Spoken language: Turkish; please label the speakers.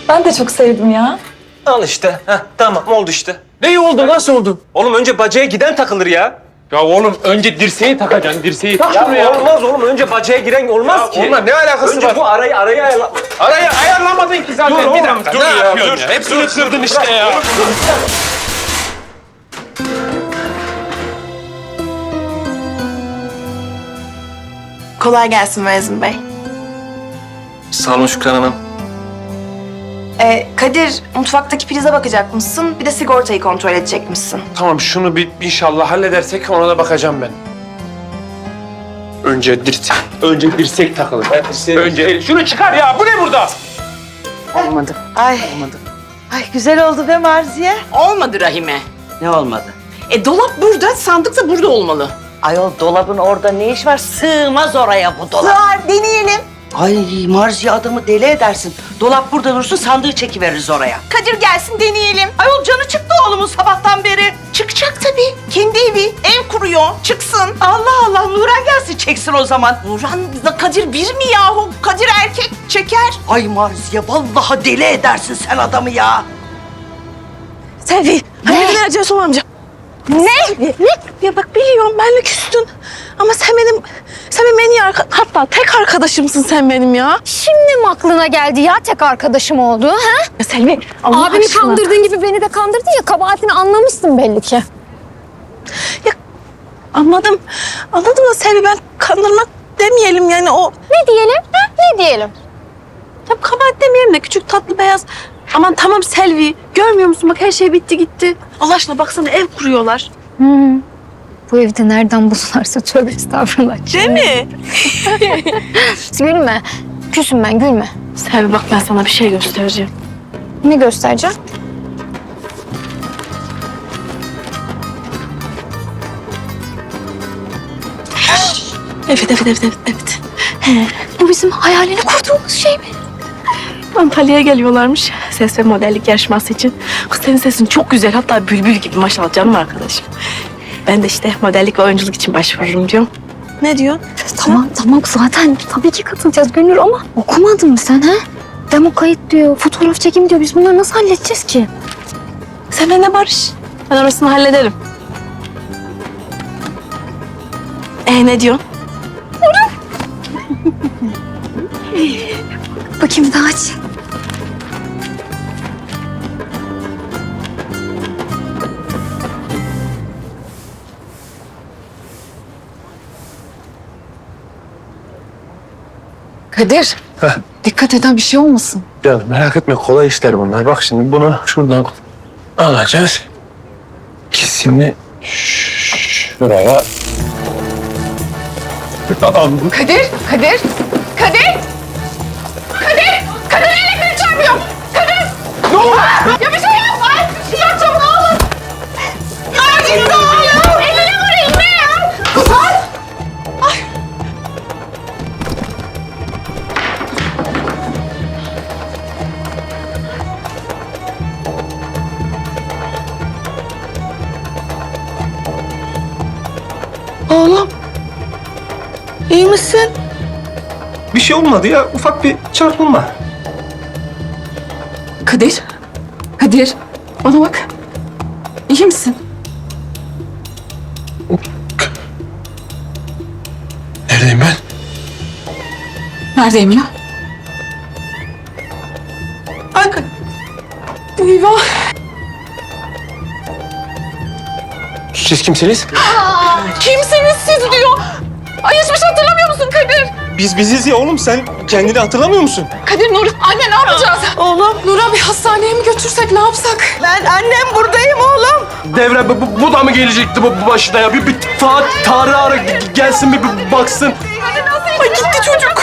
Speaker 1: Ben de çok sevdim ya.
Speaker 2: Al işte. Heh, tamam oldu işte.
Speaker 3: Ne oldu? Nasıl oldu?
Speaker 2: Oğlum önce bacaya giden takılır ya.
Speaker 3: Ya oğlum önce dirseği takacaksın. Dirseği tak şunu ya.
Speaker 2: Olmaz oğlum. Önce bacaya giren olmaz ki.
Speaker 3: Onunla ne alakası
Speaker 2: Önce
Speaker 3: var?
Speaker 2: bu arayı ayarla.
Speaker 3: Arayı ayarlamadın ki zaten.
Speaker 2: Dur
Speaker 3: bir
Speaker 2: oğlum,
Speaker 3: dakika.
Speaker 2: dur
Speaker 3: Ne
Speaker 2: ya,
Speaker 3: yapıyorsun
Speaker 2: dur.
Speaker 3: ya? Hepsini kırdın işte ya.
Speaker 4: Kolay gelsin Mezun Bey.
Speaker 2: Sağ olun Şükran Hanım.
Speaker 4: Kadir, mutfaktaki prize bakacak mısın? Bir de sigortayı kontrol edecek misin?
Speaker 3: Tamam şunu bir inşallah halledersek ona da bakacağım ben. Önce dirsek takılır. Önce şunu çıkar ya. Bu ne burada?
Speaker 5: Olmadı.
Speaker 6: Ay. Ay güzel oldu be Marziye.
Speaker 5: Olmadı Rahime.
Speaker 6: Ne olmadı?
Speaker 5: Dolap burada, sandık da burada olmalı.
Speaker 6: Ayol dolabın orada ne iş var? Sığmaz oraya bu dolap.
Speaker 4: Sığar, deneyelim.
Speaker 6: Ay Marziye adamı deli edersin. Dolap burada dursun sandığı çekiveririz oraya.
Speaker 4: Kadir gelsin, deneyelim.
Speaker 6: Ayol canı çıktı oğlumun sabahtan beri.
Speaker 4: Çıkacak tabii. Kendi evi, ev kuruyor. Çıksın.
Speaker 6: Allah Allah Nuran gelsin çeksin o zaman.
Speaker 4: Nurhan'la Kadir bir mi yahu? Kadir erkek, çeker.
Speaker 6: Ay Marziye vallahi deli edersin sen adamı ya.
Speaker 4: Selvi, hayırdır Ercan Soğan amca? Ne? Ya bak biliyorum benle küstün. Ama sen benim en iyi hatta tek arkadaşımsın sen benim ya.
Speaker 7: Şimdi mi aklına geldi ya tek arkadaşım oldu ha?
Speaker 4: Ya Selvi, Allah
Speaker 7: Abimi
Speaker 4: aşkına.
Speaker 7: kandırdığın gibi beni de kandırdın ya, kabahatini anlamışsın belli ki.
Speaker 4: Anladım da Selvi, ben kandırmak demeyelim yani o.
Speaker 7: Ne diyelim ha? Ne diyelim?
Speaker 4: Ya kabahat demeyelim de küçük tatlı beyaz. Aman tamam Selvi, görmüyor musun bak her şey bitti gitti. Allah aşkına baksana ev kuruyorlar.
Speaker 7: Bu evde nereden bulurlarsa tövbe estağfurullah.
Speaker 4: Değil mi?
Speaker 7: Gülme. Küsüm ben, gülme.
Speaker 4: Selvi bak ben sana bir şey göstereceğim.
Speaker 7: Ne göstereceğim?
Speaker 4: Evet.
Speaker 7: Bu bizim hayalini kurduğumuz şey mi?
Speaker 4: Antalya'ya geliyorlarmış ses ve modellik yarışması için. Kız senin sesin çok güzel, hatta bülbül gibi maşallah canım arkadaşım. Ben de işte modellik ve oyunculuk için başvururum diyorum. Ne diyor?
Speaker 7: Tamam zaten tabii ki katılacağız Gönül ama okumadın mı sen ha? Demo kayıt diyor, fotoğraf çekim diyor. Biz bunları nasıl halledeceğiz ki?
Speaker 4: Sen benimle barış. Ben orasını hallederim. Ne diyorsun?
Speaker 7: Bakayım bir daha aç.
Speaker 5: Kadir, dikkat eden bir şey olmasın.
Speaker 3: Ya merak etme kolay işler bunlar. Bak şimdi bunu şuradan alacağız. İkisini şuraya. Tamam.
Speaker 5: Kadir! Kadir elektrik çarpıyor! Kadir!
Speaker 3: Ne oldu?
Speaker 5: Ya bir şey yap! Ay, bir şey yapacağım ne olur! Ay gitti oğlum! Eline vurayım ne ya? Kuzey!
Speaker 4: Oğlum. İyi misin?
Speaker 2: Bir şey olmadı ya. Ufak bir çarpılma.
Speaker 5: Kadir! Bana bak. İyi misin?
Speaker 3: Neredeyim ben?
Speaker 5: Neredeyim ya?
Speaker 4: Ay, eyvah.
Speaker 3: Siz kimsiniz?
Speaker 5: Kimsiniz siz diyor. Ay hiçbir şey hatırlamıyor musun Kadir?
Speaker 2: Biz biziz ya oğlum. Sen kendini hatırlamıyor musun?
Speaker 5: Kadir, Nur, anne ne yapacağız?
Speaker 4: Oğlum.
Speaker 5: Nur'a bir hastaneye mi götürsek, ne yapsak?
Speaker 4: Ben annem buradayım oğlum.
Speaker 3: Devre bu da mı gelecekti bu başına ya? Bir Tarık ara gelsin bir baksın.
Speaker 5: Ay gitti çocuk.